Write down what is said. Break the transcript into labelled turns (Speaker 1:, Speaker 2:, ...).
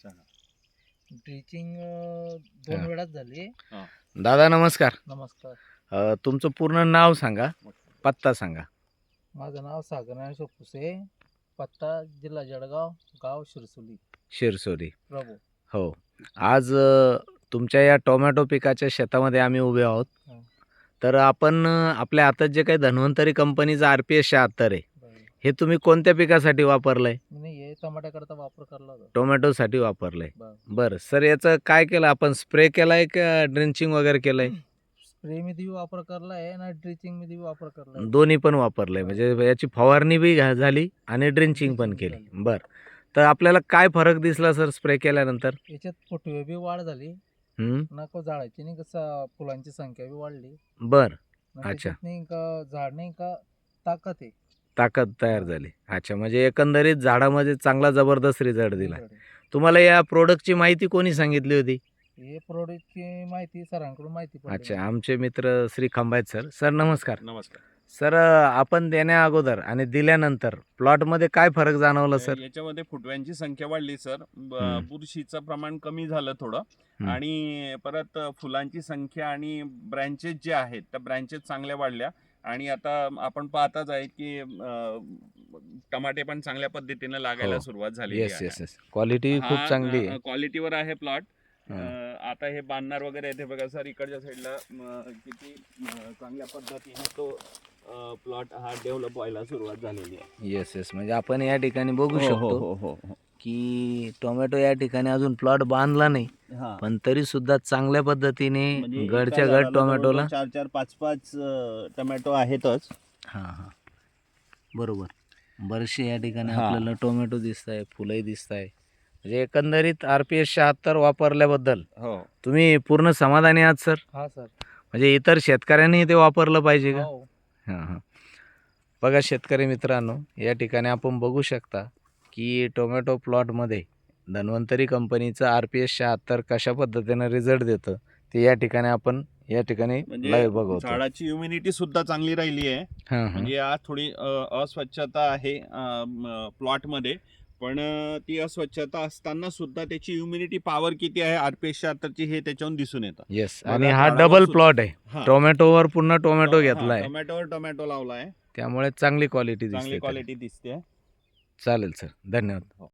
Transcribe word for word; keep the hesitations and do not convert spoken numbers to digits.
Speaker 1: Drenching दोन
Speaker 2: हा.
Speaker 1: वेळाच झाली.
Speaker 2: दादा नमस्कार.
Speaker 1: नमस्कार.
Speaker 2: अ, तुमचं पूर्ण नाव सांगा, पत्ता सांगा.
Speaker 1: माझं नाव सागर ज्ञानेश्वर पुसे, पत्ता जिल्हा जळगाव, गाव शिरसोली,
Speaker 2: शिरसोली.
Speaker 1: प्रभू.
Speaker 2: हो. आज अ, तुमच्या या टोमॅटो पिकाच्या शेतामध्ये आम्ही उभे आहोत.
Speaker 1: हा.
Speaker 2: तर आपण अ, आपल्या हातात जे काही धन्वंतरी कंपनीचा आर पी एस शहात्तर आहे,
Speaker 1: बरं.
Speaker 2: हे तुम्ही कोणत्या पिकासाठी वापरलंय?
Speaker 1: मी हे टमाट्याकरता वापर करला होता.
Speaker 2: टोमॅटोसाठी वापरलंय.
Speaker 1: बरं.
Speaker 2: बरं सर, याचं काय केलं आपण? स्प्रे केलाय का ड्रिंचिंग वगैरे केलंय?
Speaker 1: स्प्रे मध्ये वापर करला आहे आणि ड्रिचिंग मध्ये वापर करला आहे.
Speaker 2: दोन्ही पण वापरलंय,
Speaker 1: बरं.
Speaker 2: म्हणजे याची फवारणी बी घा- झाली आणि ड्रिंचिंग पण
Speaker 1: ड्रिचिंग
Speaker 2: केली.
Speaker 1: झाली.
Speaker 2: बरं. तर आपल्याला काय फरक दिसला सर स्प्रे केल्यानंतर?
Speaker 1: याच्यात फुटवे बी वाढ झाली,
Speaker 2: हं.
Speaker 1: नको झाडाची नाही कसं फुलांची संख्या बी वाढली.
Speaker 2: बरं.
Speaker 1: आणि
Speaker 2: अच्छा.
Speaker 1: त्याच्यात नाही का झाड नाही का ताकद आहे.
Speaker 2: ताकद तयार
Speaker 1: हा.
Speaker 2: झाली. अच्छा, म्हणजे एकंदरीत झाडामध्ये चांगला जबरदस्त रिझल्ट दिला.
Speaker 1: result आहे.
Speaker 2: तुम्हाला या प्रोडक्टची माहिती कोणी सांगितली होती?
Speaker 1: हे प्रोडक्टची माहिती सरांकडून माहिती पडली
Speaker 2: अच्छा,
Speaker 1: मला.
Speaker 2: आमचे मित्र श्री खंबायत सर. सर नमस्कार.
Speaker 3: नमस्कार.
Speaker 2: सर, अ, आपण देण्या अगोदर आणि दिल्यानंतर प्लॉटमध्ये काय फरक जाणवला सर?
Speaker 3: याच्यामध्ये फुटव्यांची संख्या वाढली सर. ब-
Speaker 2: हम्म.
Speaker 3: बुरशीचं प्रमाण कमी झालं थोडं.
Speaker 2: हम्म.
Speaker 3: आणि परत फुलांची संख्या आणि ब्रँचेस जे आहेत त्या ब्रँचेस चांगल्या वाढल्या. आणि आता आपण पाहताच आहे की अं, टमाटे पण चांगल्या पद्धतीने लागायला
Speaker 2: हो.
Speaker 3: सुरुवात झालेली
Speaker 2: येस
Speaker 3: आहे.
Speaker 2: Yes yes. क्वालिटी खूप चांगली आहे.
Speaker 3: क्वालिटीवर आहे प्लॉट.
Speaker 2: हा.
Speaker 3: आता हे बांधणार वगैरे येते बघा सर, इकडच्या साईडला किती अं, चांगल्या पद्धतीने तो प्लॉट हा डेव्हलप व्हायला सुरुवात झालेली आहे.
Speaker 2: Yes yes. म्हणजे आपण या ठिकाणी बघू
Speaker 3: हो,
Speaker 2: शकतो
Speaker 3: हो, हो, हो.
Speaker 2: की टोमॅटो या ठिकाणी अजून प्लॉट बांधला नाही,
Speaker 3: हा.
Speaker 2: पण तरी सुद्धा चांगल्या पद्धतीने
Speaker 3: म्हणजे एका
Speaker 2: गडच्या
Speaker 3: झाडाला
Speaker 2: गड टोमॅटोला
Speaker 3: जवळजवळ चार चार पाच पाच अं, टोमॅटो आहेतच.
Speaker 2: हां हां बरोबर. बरेचसे या ठिकाणी
Speaker 3: हा.
Speaker 2: आपल्याला टोमॅटो दिसत आहे, फुलंही दिसत आहे. म्हणजे एकंदरीत आर पी एस शहात्तर वापरल्याबद्दल
Speaker 3: हो.
Speaker 2: तुम्ही पूर्ण समाधानी आहात सर?
Speaker 1: हा सर.
Speaker 2: म्हणजे इतर शेतकऱ्यांनी ते वापरलं पाहिजे का?
Speaker 1: हो.
Speaker 2: हां हां बघा शेतकरी मित्रांनो, या ठिकाणी आपण बघू शकता की टोमॅटो प्लॉटमध्ये धन्वंतरी कंपनीचं आर पी एस शहात्तर कशा पद्धतीनं रिझल्ट देतं ते या ठिकाणी आपण या ठिकाणी
Speaker 3: म्हणजे
Speaker 2: लाईव्ह बघवतो.
Speaker 3: झाडाची इम्युनिटी सुद्धा चांगली राहिली आहे.
Speaker 2: हां हां
Speaker 3: म्हणजे आज थोडी अं, अस्वच्छता आहे प्लॉट मध्ये, पण अं, ती अस्वच्छता असताना सुद्धा त्याची इम्युनिटी पॉवर किती आहे आरपीएस शहात्तरची हे त्याच्यावरून दिसून येतं.
Speaker 2: येस.
Speaker 3: बघा,
Speaker 2: आणि हा
Speaker 3: झाडावर
Speaker 2: डबल
Speaker 3: सुद्धा-
Speaker 2: प्लॉट आहे.
Speaker 3: हा.
Speaker 2: टोमॅटोवर पुन्हा टोमॅटो
Speaker 3: हा,
Speaker 2: घेतलाय,
Speaker 3: टोमॅटोवर टोमॅटो लावलाय.
Speaker 2: त्यामुळे चांगली क्वालिटी
Speaker 3: चांगली
Speaker 2: दिसते.
Speaker 3: क्वालिटी दिसते.
Speaker 2: चालेल सर, धन्यवाद.
Speaker 3: हो.